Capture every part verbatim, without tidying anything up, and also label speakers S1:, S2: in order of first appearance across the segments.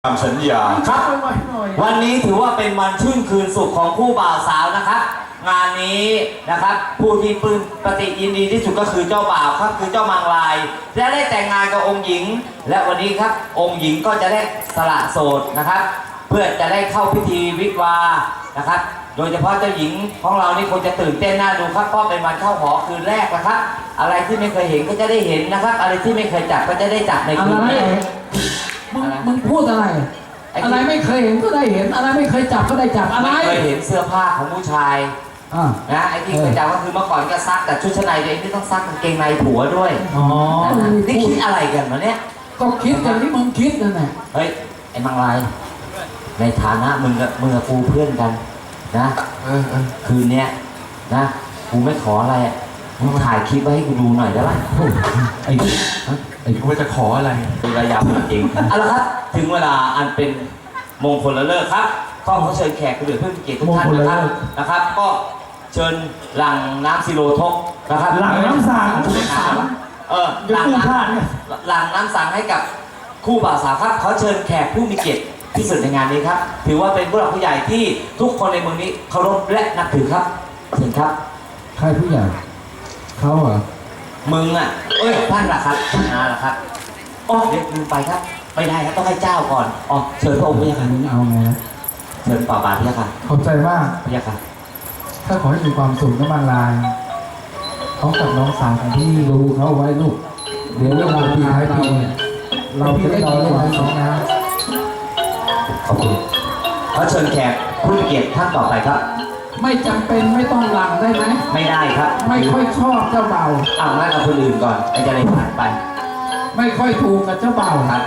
S1: ตามสัญญา
S2: ครับวันนี้ถือว่าเป็นวันชื่นคืนสุขของคู่บ่าวสาวนะครับ งานนี้นะครับผู้ที่ปลื้มปฏิยินดีที่สุดก็คือเจ้าบ่าวครับคือเจ้ามังลายจะได้แต่งงานกับองค์หญิงและวันนี้ครับองค์หญิงก็จะได้สละโสดนะครับ เพื่อจะได้เข้าพิธีวิวาห์นะครับโดยเฉพาะเจ้าหญิงของเรานี่คงจะตื่นเต้นน่าดูครับเพราะเป็นวันเข้าหอคืนแรกนะครับอะไรที่ไม่เคยเห็นก็จะได้เห็นนะครับอะไรที่ไม่เคยจับก็จะได้จับในคืนนี้
S3: มึงมึงพูดอะไรอะไรไม่เคยเห็นก็ได้เห็นอะไรไม่เคยจับก็ได้จับอะไร
S2: ไม่เคยเห็นเสื้อผ้าของผู้ชายนะไอ้ที่เคยจับก็คือเมื่อก่อนก็ซักแต่ชุดชั้นในตัวเองที่ต้องซักกางเกงในผัวด้วยอ๋อนี่คิดอะไรกันวะเนี่ย
S3: ก็คิดอย่างที่มึงคิดนั่นแหละ
S2: เฮ้ยไอ้มังลายในฐานะมึงกับมึงกับกูเพื่อนกันนะคืนนี้นะกูไม่ขออะไรมึงถ่ายคลิปไว้ให้กูดูหน่อยได้ไหม
S1: ไอ้ไอ้กูจะขออะไร
S2: ดูระยำจริงเอาละครับถึงเวลาอันเป็นมงคลเลิกครับก็ขอเชิญแขกผู้เดือดเพื่อนเกียรติทุกท่านนะครับนะครับก็เชิญหลังน้ำซิโรทกนะครับ
S3: หลังน้ำสัง
S2: เออหลังน้ำหลังน้ำสังให้กับคู่บ่าวสาวครับเขาเชิญแขกผู้มีเกียรติที่สุดในงานนี้ครับถือว่าเป็นผู้หลักผู้ใหญ่ที่ทุกคนในเมืองนี้เคารพและนับถือครับเชิญครับ
S3: ใครผู้ใหญ่เขาเหรอ
S2: มึงอ่ะเอ้ยท่านล่ะครับท่านล่ะครับอ๋อเดี๋ยวลืมไปครับไม่ได้ครับต้องให้เจ้าก่อนอ๋อเชิญพระองค์พระยาค่ะ
S3: มึงเอาไงนะ
S2: เชิญป่าบาทพระยาค่ะ
S3: ขอบใจมาก
S2: พระยาค่ะ
S3: ถ้าขอให้มีความสุขน้ำมันลายเขากับน้องสาวของพี่ดูเขาไว้ลูกเดี๋ยวเวลาปีท้ายปีเราจะได้รอเรื่องนี้นะ
S2: ขอบคุณเขาเชิญแขกผู้มีเกียรติท่านต่อไปครับ
S3: ไม่จำเป็นไม่ต้องหลังได้ไหม
S2: ไม่ได้ครับ
S3: ไม่ค่อยชอบเจ้าเบ่าว
S2: เอางั้นกับคนอื่นก่อนไอ้จะได้ผ่านไป
S3: ไม่ค่อยถูกกับเจ้าเบ่าว
S2: ครับ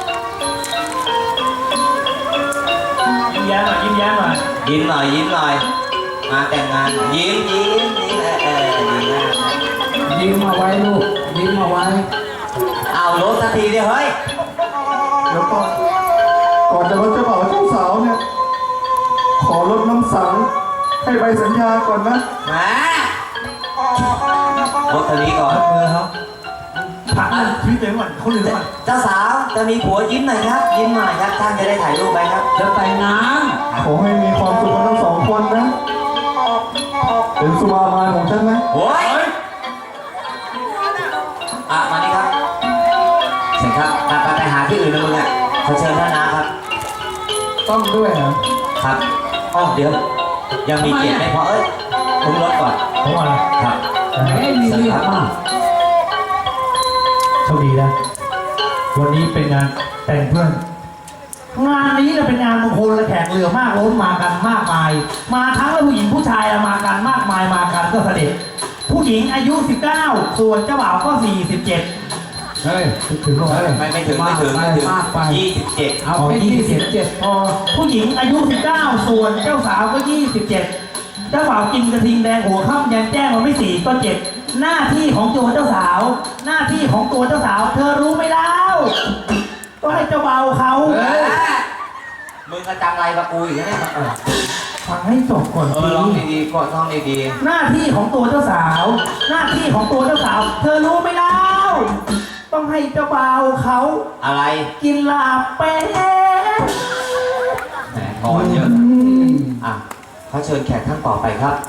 S3: ยิ้มแย้มหน่อยยิ้มแย้มหน่อย
S2: ยิ้มหน่อยยิ้มหน่อยมาแต่งงานยิ้มยิ้มยิ้มเออยิ้ม
S3: ยิ้มเอาไว้ลูกยิ้มเอาไว้
S2: เอารถสักทีเดียวเฮ้ย
S4: เดี๋ยวก่อนก่อนจะรถเจ้าบ่าวเจ้าสาวเนี่ยขอรถน้ำสังให้ใบสัญญาก่อนนะ
S2: มารถคันนี้ก่อน
S3: เออครับผักพี่เจ๋งก่อนเขาลืมก่อน
S2: เจ้าสาวจะมีผัวยิ้มหน่อยครับยิ้มหน่อยครับท่านจะได้ถ่ายรูปไปครับ
S3: จะแต่งงาน
S4: ขอให้มีความสุขกันทั้งสองคนนะเป็นสุภาพของฉันนะ
S2: โอ้ยอ่ะมานี่ครับเชิญครับไปไปหาที่อื่นนะมึงอ่ะขอเชิญท่านนะครับ
S3: ต้องด้วยเหรอ
S2: ครับอ๋อเดี๋ยวยังมีเกียรติไม่พอเอ้ยทิ้งรถก่อน
S3: เพราะอะไร
S2: ครับ
S3: ให้มีเรียกมากโชคดีนะวันนี้เป็นงานแต่งเพื่อนงานนี้เราเป็นงานมงคลและแขกเรือมากล้นมากันมากมายมาทั้งผู้หญิงผู้ชายมากันมากมายมากันก็เสด็จผู้หญิงอายุสิบเก้าส่วนเจ้าบ่าวก็สี่สิบเจ็ดเฮ้ยถึงไหม
S2: ไม่ไม่ถึงไม่ถึงไม่ถึงยี่สิบเจ็ด
S3: เอาไปยี่สิบเจ็ดพอผู้หญิงอายุสิบเก้าส่วนเจ้าสาวก็ยี่สิบเจ็ดเจ้าบ่าวกินกระทิงแดงหัวค่ำยันแจ้งมันไม่สี่ก็เจ็ดหน้าที่ของตัวเจ้าสาวหน้าที่ของตัวเจ้าสาวเธอรู้ไหมเล่าก็ให้เจ้าบ่าวเขา
S2: มึงกระจังไรกับกูอีกแล้วเนี่ย
S3: ฟังให้จบก่อน
S2: เออร้องดีๆก่อนร้องดี
S3: ๆหน้าที่ของตัวเจ้าสาวหน้าที่ของตัวเจ้าสาวเธอรู้ไหมเล่าต้องให้เจ้าบ่าวเขา
S2: อะไร
S3: กินลาบเป็ด
S2: แหมก่อนเยอะอ่ะเขาเชิญแขกท่านต่อไปครับ